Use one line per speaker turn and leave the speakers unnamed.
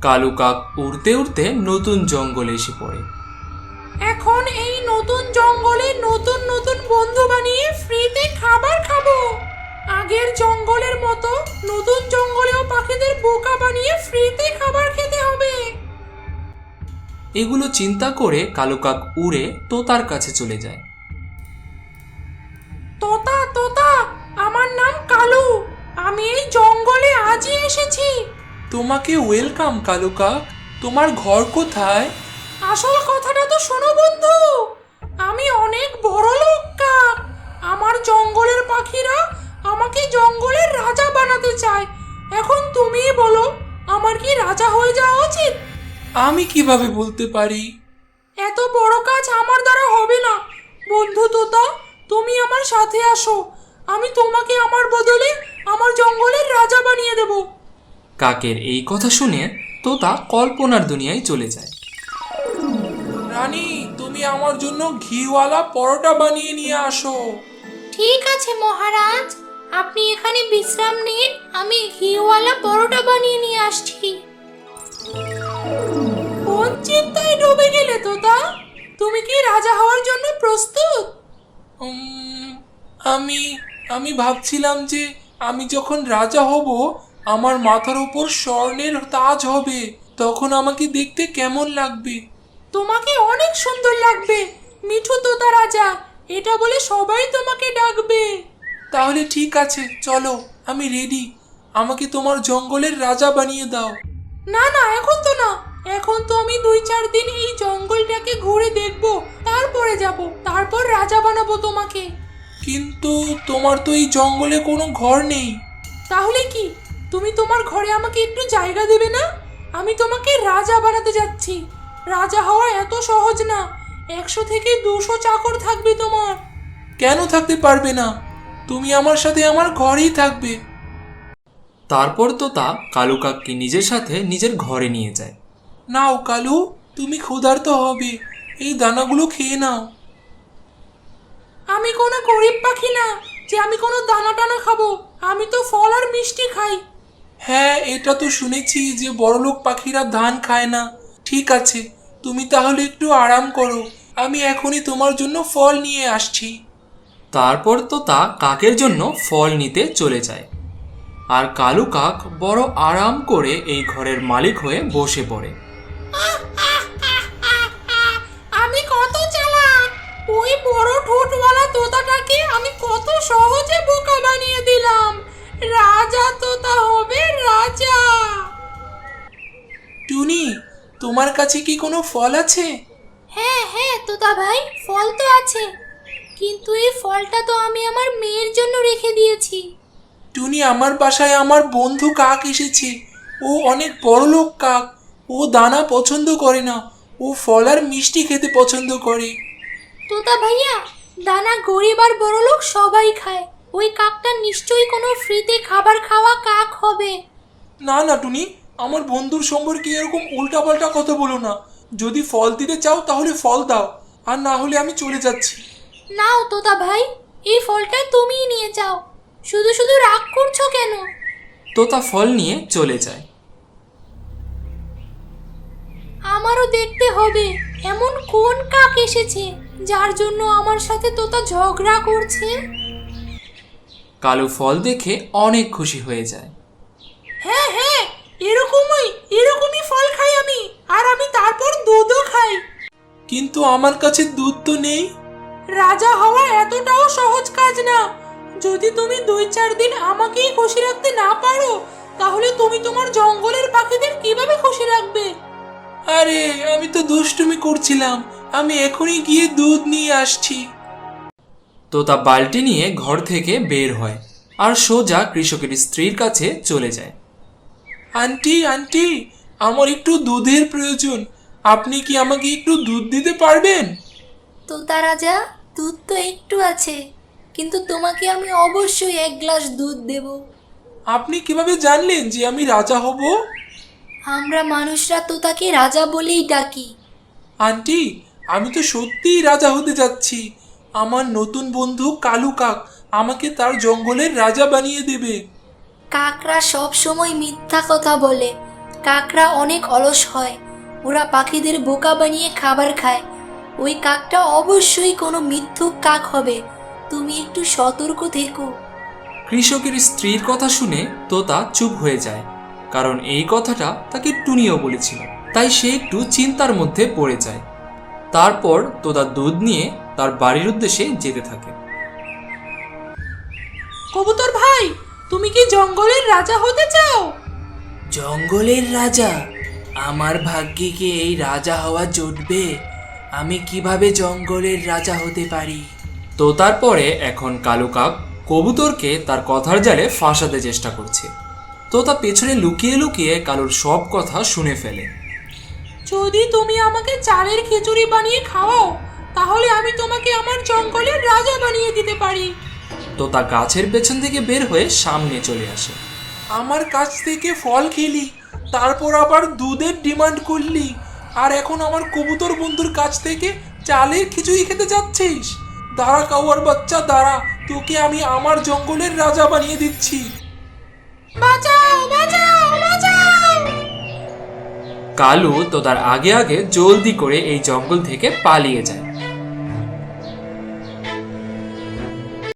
কালু কাক উড়তে উড়তে নতুন জঙ্গলে এসে পড়ে।
এখন এই নতুন জঙ্গলে নতুন নতুন বন্ধু বানিয়ে ফ্রিতে খাবার খাবো। আগের জঙ্গলের মতো নতুন জঙ্গলেও পাখিদের বোকা বানিয়ে ফ্রিতে খাবার খেতে হবে।
এগুলো চিন্তা করে কালু কাক উড়ে তোতার কাছে চলে যায়।
তোতা তোতা, আমার নাম কালু। আমি এই জঙ্গলে আজই এসেছি।
তোমাকে ওয়েলকাম কালু কাক। তোমার ঘর কোথায়?
আসল কথাটা তো শোনো বন্ধু। আমি অনেক বড় লোক কাক। আমার জঙ্গলের পাখিরা আমাকে জঙ্গলের রাজা বানাতে চায়। এখন তুমিই বলো, আমার কি রাজা হয়ে যাওয়া উচিত?
আমি কিভাবে বলতে পারি?
এত বড় কাজ আমার দ্বারা হবে না। বন্ধু তোতা, তুমি আমার সাথে আসো। আমি তোমাকে আমার বদলে আমার জঙ্গলের রাজা বানিয়ে দেব।
কাকের এই কথা শুনে তোতা কল্পনার দুনিয়ায় চলে যায়।
রানী, তুমি আমার জন্য ঘিওয়ালা পরোটা বানিয়ে নিয়ে আসো।
ঠিক আছে মহারাজ, আপনি এখানে বিশ্রাম নিন। আমি ঘিওয়ালা পরোটা বানিয়ে নিয়ে আসছি। কোন চিন্তায় ডুবে গেলে তোতা? তুমি কি রাজা হওয়ার জন্য প্রস্তুত?
উম, আমি আমি ভাবছিলাম যে আমি যখন রাজা হব, আমার মাথার উপর স্বর্ণের তাজ হবে, তখন আমাকে দেখতে কেমন লাগবে?
তোমাকে অনেক সুন্দর লাগবে, মিঠু তোতা রাজা। এটা বলে সবাই তোমাকে ডাকবে।
তাহলে ঠিক আছে, চলো, আমি রেডি। আমাকে তোমার জঙ্গলের রাজা বানিয়ে দাও।
না না, এখন তো না। এখন তো আমি 2-4 দিন এই জঙ্গলটাকে ঘুরে দেখব, তারপরে যাব, তারপর রাজা বানাবো তোমাকে।
কিন্তু তোমার তো এই জঙ্গলে কোনো ঘর নেই।
তাহলে কি, তুমি তোমার ঘরে আমাকে একটু জায়গা দেবে না? আমি তোমাকে রাজা বানাতে যাচ্ছি। রাজা হওয়া এত সহজ না। 100 থেকে 200 চাকর থাকবে তোমার।
কেন থাকতে পারবে না? তুমি আমার সাথে আমার ঘরেই থাকবে।
তারপর তোতা কালু কাককে নিজের সাথে নিজের ঘরে নিয়ে যায়।
নাও কালু, তুমি ক্ষুধার্ত হবে, এই দানাগুলো খেয়ে নাও।
আমি কোনো গরিব পাখি না যে আমি কোনো দানা টানা খাবো। আমি তো ফল আর মিষ্টি খাই।
হ্যাঁ, এটা তো শুনেছি যে বড়লোক পাখিরা ধান খায় না। ঠিক আছে, তুমি তাহলে একটু আরাম করো, আমি এখনই তোমার জন্য ফল নিয়ে আসছি।
তারপর তোতা কাকের জন্য ফল নিতে চলে যায়। আর কালু কাক বড় আরাম করে এই ঘরের মালিক হয়ে বসে পড়ে।
আমি কত চালাক! ওই বড় ঠোঁটওয়ালা তোতাটাকে আমি কত সহজে বোকা বানিয়ে দিলাম। রাজা তোতা হবে রাজা।
টুনি, তোমার কাছে কি কোনো ফল আছে?
হ্যাঁ হ্যাঁ তোতা ভাই, ফল তো আছে, কিন্তু এই ফলটা তো আমি আমার মেয়ের জন্য রেখে দিয়েছি।
টুনি, আমার বাসায় আমার বন্ধু কাক এসেছে। ও অনেক বড়লোক কাক। ও দানা পছন্দ করে না, ও ফল আর মিষ্টি খেতে পছন্দ করে।
তোতা ভাইয়া, দানা গরিব আর বড়লোক সবাই খায়। ওই কাকটা নিশ্চয়ই কোনো ফ্রিতে খাবার খাওয়া কাক হবে।
না না টুনি, আমার বন্ধুর সম্পর্কে এরকম উল্টাপাল্টা কথা বলো না। যদি ফল দিতে চাও তাহলে ফল দাও, আর না হলে আমি চলে যাচ্ছি।
নাও তোতা ভাই, এই ফলটা তুমিই নিয়ে যাও। শুধু শুধু রাগ করছো কেন?
তোতা ফল নিয়ে চলে যায়।
আমারও দেখতে হবে এমন কোন কাক এসেছে যার জন্য আমার সাথে তোতা ঝগড়া করছে।
কালু ফল দেখে অনেক খুশি হয়ে যায়।
হ্যাঁ হ্যাঁ, এরকমই ফল খাই আমি, আর আমি তারপর দুধও খাই।
কিন্তু আমার কাছে দুধ তো নেই।
রাজা হওয়া এতটাও সহজ কাজ না। যদি তুমি 2-4 দিন আমাকেই খুশি রাখতে না পারো, তাহলে তুমি তোমার জঙ্গলের পাখিদের কিভাবে খুশি রাখবে?
আরে, আমি তো দুষ্টুমি করছিলাম। আমি এখনই গিয়ে দুধ নিয়ে আসছি।
তোতা বালতি নিয়ে ঘর থেকে বের হয় আর সোজা কৃষকের স্ত্রীর কাছে চলে যায়।
আন্টি আন্টি, আমার একটু দুধের প্রয়োজন। আপনি কি আমাকে একটু দুধ দিতে পারবেন?
তোতা রাজা, দুধ তো একটু আছে, কিন্তু তোমাকে আমি অবশ্যই 1 গ্লাস দুধ দেব।
আপনি কিভাবে জানলেন যে আমি রাজা হব?
আমরা মানুষরা তোতাকে রাজা বলেই ডাকি।
আন্টি, আমি তো সত্যিই রাজা হতে যাচ্ছি। আমার নতুন বন্ধু কালু কাক আমাকে তার জঙ্গলের রাজা বানিয়ে দেবে।
কাকরা সব সময় মিথ্যা কথা বলে, কাকরা অনেক অলস হয়, ওরা পাখিদের বোকা বানিয়ে খাবার খায়। ওই কাকটা অবশ্যই কোনো মিথ্যুক কাক হবে, তুমি একটু সতর্ক থেকো।
কৃষকের স্ত্রীর কথা শুনে তোতা চুপ হয়ে যায়, কারণ এই কথাটা তাকে টুনিও বলেছিল। তাই সে একটু চিন্তার মধ্যে পড়ে যায়। তারপর তোতা দুধ নিয়ে তার বাড়ির উদ্দেশ্যে যেতে থাকে।
কবুতর ভাই, তুমি কি জঙ্গলের রাজা হতে চাও?
জঙ্গলের রাজা? আমার ভাগ্যে কি এই রাজা হওয়া জুটবে? আমি কিভাবে জঙ্গলের রাজা হতে পারি?
তোতার পরে এখন কালু কাক কবুতরকে তার কথার জালে ফাঁসাতে চেষ্টা করছে। তোতা পেছনে লুকিয়ে লুকিয়ে কালুর সব কথা শুনে ফেলে।
যদি তুমি আমাকে চালের খিচুড়ি বানিয়ে খাওয়াও, তাহলে আমি তোমাকে আমার জঙ্গলের রাজা বানিয়ে দিতে পারি।
তোতা গাছের পেছন থেকে বের হয়ে সামনে চলে আসে।
আমার কাছ থেকে ফল খেলি, তারপর আবার দুধের ডিমান্ড করলি, আর এখন আমার কবুতর বন্ধুর কাছ থেকে চালের খিচুড়ি খেতে যাচ্ছিস? দাঁড়া কাউয়ার বাচ্চা, দাঁড়া, তোকে আমি আমার জঙ্গলের রাজা বানিয়ে দিচ্ছি।
বাঁচাও, বাঁচাও, বাঁচাও!
কালু তোতার আগে আগে জলদি করে এই জঙ্গল থেকে পালিয়ে যায়।